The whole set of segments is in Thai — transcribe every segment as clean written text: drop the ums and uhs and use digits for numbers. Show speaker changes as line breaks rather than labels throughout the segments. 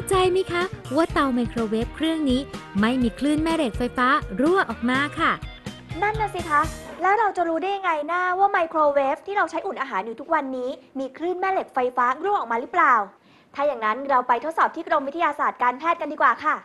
ใจไหมคะว่าเตาไมโครเวฟเครื่องนี้ไม่มีคลื่นแม่เหล็กไฟฟ้ารั่วออกมาค่ะ
นั่นน่ะสิคะ แล้วเราจะรู้ได้ยังไงนะว่าไมโครเวฟที่เราใช้อุ่นอาหารอยู่ทุกวันนี้มีคลื่นแม่เหล็กไฟฟ้ารั่วออกมาหรือเปล่า ถ้าอย่างนั้นเราไปทดสอบที่กรมวิทยาศาสตร์การแพทย์กันดีกว่าค่ะ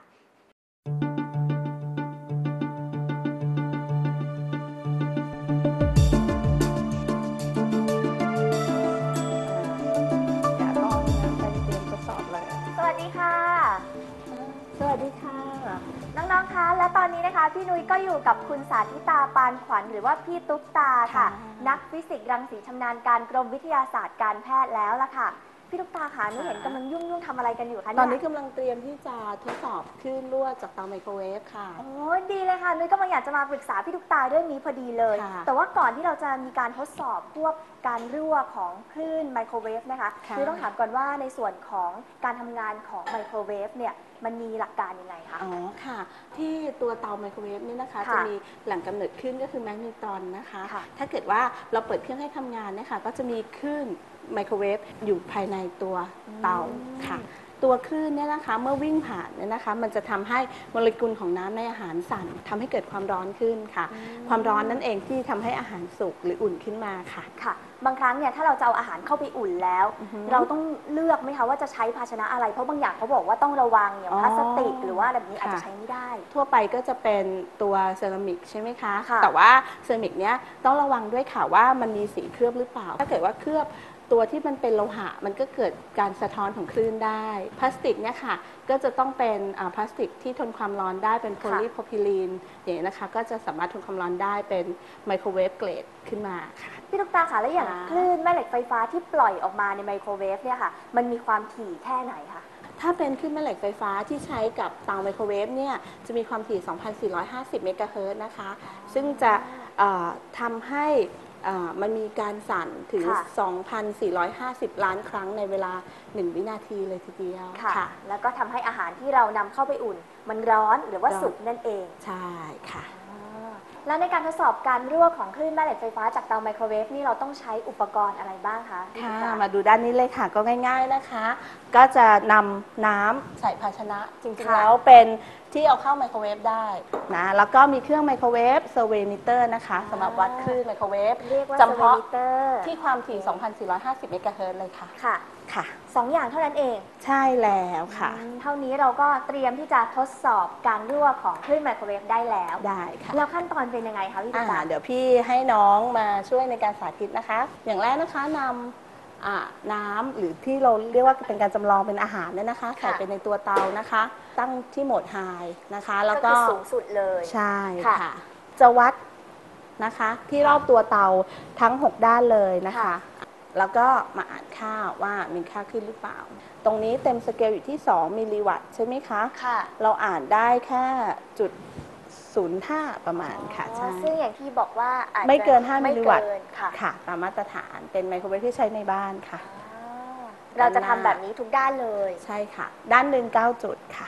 เดี๋ยวก็เอาน้ำไปเตรียมทดสอบเลย
สวัสดีค่ะ
สวัสดีค่ะ
น้องๆ คะ และตอนนี้นะคะพี่นุ้ยก็อยู่กับคุณสาธิตาปานขวัญหรือว่าพี่ตุ๊กตาค่ะ นักฟิสิกส์รังสีชำนาญการกรมวิทยาศาสตร์การแพทย์แล้วล่ะค่ะพี่ตุ๊กตาคะนุ้ยเห็นกำลังยุ่งๆทำอะไรกันอยู่คะเนี่ย
ตอนนี้กำลังเตรียมที่จะทดสอบคลื่นรั่วจากเตาไมโครเวฟค่ะ
โอ้ดีเลยค่ะนุ้ยก็มาอยากจะมาปรึกษาพี่ตุ๊กตาเรื่องนี้พอดีเลย แต่ว่าก่อนที่เราจะมีการทดสอบพวกการรั่วของคลื่นไมโครเวฟนะคะนุ้ยต้องถามก่อนว่าในส่วนของการทำงานของไมโครเวฟเนี่ยมันมีหลักการยังไงคะ
อ๋อค่ะ ที่ตัวเตาไมโครเวฟนี่นะคะจะมีแหล่งกำเนิดคลื่นก็คือแมกนีตรอนนะคะถ้าเกิดว่าเราเปิดเครื่องให้ทำงานนะคะก็จะมีคลื่นไมโครเวฟอยู่ภายในตัวเตาค่ะตัวคลื่นเนี่ยนะคะเมื่อวิ่งผ่านเนี่ยนะคะมันจะทำให้โมเลกุลของน้ำในอาหารสั่นทำให้เกิดความร้อนขึ้นค่ะความร้อนนั่นเองที่ทำให้อาหารสุกหรืออุ่นขึ้นมาค่ะ
ค่ะบางครั้งเนี่ยถ้าเราจะเอาอาหารเข้าไปอุ่นแล้วเราต้องเลือกไหมคะว่าจะใช้ภาชนะอะไรเพราะบางอย่างเขาบอกว่าต้องระวังอย่างพลาสติกหรือว่าแบบนี้อาจจะใช้ไม่ได้
ทั่วไปก็จะเป็นตัวเซรามิกใช่ไหมคะแต่ว่าเซรามิกเนี้ยต้องระวังด้วยค่ะว่ามันมีสีเคลือบหรือเปล่าถ้าเกิดว่าเคลือบตัวที่มันเป็นโลหะมันก็เกิดการสะท้อนของคลื่นได้พลาสติกเนี่ยค่ะก็จะต้องเป็นพลาสติกที่ทนความร้อนได้เป็นโพลีโพรพิลีนอย่างนี้นะคะก็จะสามารถทนความร้อนได้เป็นไมโครเวฟเกรดขึ้นมาค่ะ
พี่ตุ๊กตาคะแล้วอย่างคลื่นแม่เหล็กไฟฟ้าที่ปล่อยออกมาในไมโครเวฟเนี่ยค่ะมันมีความถี่แค่ไหนคะ
ถ้าเป็นคลื่นแม่เหล็กไฟฟ้าที่ใช้กับเตาไมโครเวฟเนี่ยจะมีความถี่ 2,450 เมกะเฮิรตซ์นะคะซึ่งจะทำให้มันมีการสั่นถึง 2,450 ล้านครั้งในเวลา 1 วินาทีเลยทีเดียว
ค่ะแล้วก็ทำให้อาหารที่เรานำเข้าไปอุ่นมันร้อนหรือว่าสุกนั่นเอง
ใช่ค่ะ
แล้วในการทดสอบการรั่วของคลื่นแม่เหล็กไฟฟ้าจากเตาไมโครเวฟนี่เราต้องใช้อุปกรณ์อะไรบ้างคะ
ค่ะมาดูด้านนี้เลยค่ะก็ง่ายๆนะคะก็จะนำน้ำใส่ภาชนะจริงๆแล้วเป็นที่เอาเข้าไมโครเวฟได้นะแล้วก็มีเครื่องไมโครเวฟเซอร์เวมิเตอร์นะคะสำหรับวัดคลื่นไมโครเวฟจำเพาะที่ความถี่ 2,450 เมกะเฮิรตซ์เลยค่ะ
ค่ะ2 อย่างเท่านั้นเอง
ใช่แล้วค่ะ
เท่านี้เราก็เตรียมที่จะทดสอบการรั่วของคลื่นไมโครเวฟได้แล้ว
ได้ค่ะ
แล้วขั้นตอนเป็นยังไงคะพี่ตุ๊กตา
เดี๋ยวพี่ให้น้องมาช่วยในการสาธิตนะคะอย่างแรกนะคะนำน้ำหรือที่เราเรียกว่าเป็นการจำลองเป็นอาหารเนี่ยนะคะใส่ไปในตัวเตานะคะตั้งที่โหมดไฮนะคะแล้วก็
สูงสุดเลย
ใช่ค่ะจะวัดนะคะที่รอบตัวเตาทั้ง6ด้านเลยนะคะแล้วก็มาอ่านค่าว่ามีค่าขึ้นหรือเปล่าตรงนี้เต็มสเกลอยู่ที่2มิลลิวัตต์ใช่ไหมคะเราอ่านได้แค่จุด0.5ประมาณค่ะใช่
ซึ่งอย่างที่บอกว่า
ไม่เกิน5มิลลิวัตต์ค่ะตามมาตรฐานเป็นไมโครเวฟที่ใช้ในบ้านค่ะ
เราจะทำแบบนี้ทุกด้านเลย
ใช่ค่ะด้านหนึ่ง9 จุดค่ะ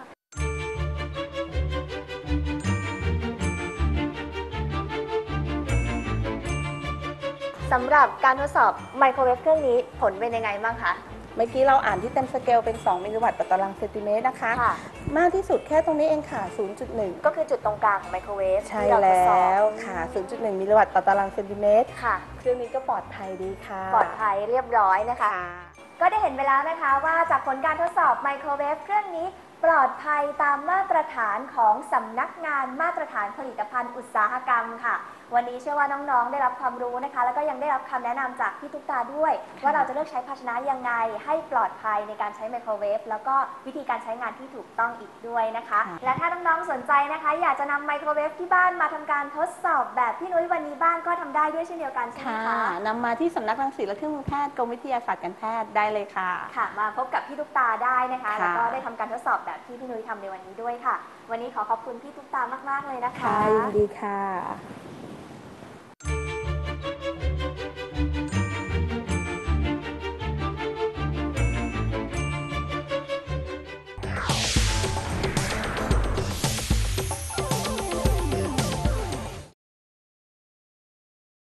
สำหรับการทดสอบไมโครเวฟเครื่องนี้ผลเป็นยังไงบ้างคะ
เมื่อกี้เราอ่านที่เต็มสเกลเป็น2มิลลิวัตต์ต่อตารางเซนติเมตรนะคะมากที่สุดแค่ตรงนี้เองค่ะ 0.1
ก็คือจุดตรงกลางของไมโครเวฟ
ใช่แล้วค่ะ 0.1 มิลลิวัตต์ต่อตารางเซนติเมตรค่ะเครื่องนี้ก็ปลอดภัยดีค่ะ
ปลอดภัยเรียบร้อยนะคะก็ได้เห็นไปแล้วนะคะว่าจากผลการทดสอบไมโครเวฟเครื่องนี้ปลอดภัยตามมาตรฐานของสำนักงานมาตรฐานผลิตภัณฑ์อุตสาหกรรมค่ะวันนี้เชื่อว่าน้องๆได้รับความรู้นะคะแล้วก็ยังได้รับคำแนะนำจากพี่ตุ๊กตาด้วยว่าเราจะเลือกใช้ภาชนะยังไงให้ปลอดภัยในการใช้ไมโครเวฟแล้วก็วิธีการใช้งานที่ถูกต้องอีกด้วยนะคะและถ้าน้องๆสนใจนะคะอยากจะนำไมโครเวฟที่บ้านมาทำการทดสอบแบบพี่นุ้ยวันนี้บ้านก็ทำได้ด้วยเช่นเดียวกันใช่ไหมคะ
นำมาที่สำนักรังสีและเครื่องมือแพทย์กรมวิทยาศาสตร์การแพทย์ได้เลยค่ะ
ค่ะมาพบกับพี่ตุ๊กตาได้นะคะแล้วก็ได้ทำการทดสอบแบบที่พี่นุ้ยทำในวันนี้ด้วยค่ะวันนี้ขอขอบคุณพี่ตุ๊กตามากๆเลยนะคะ
ยินดีค่ะ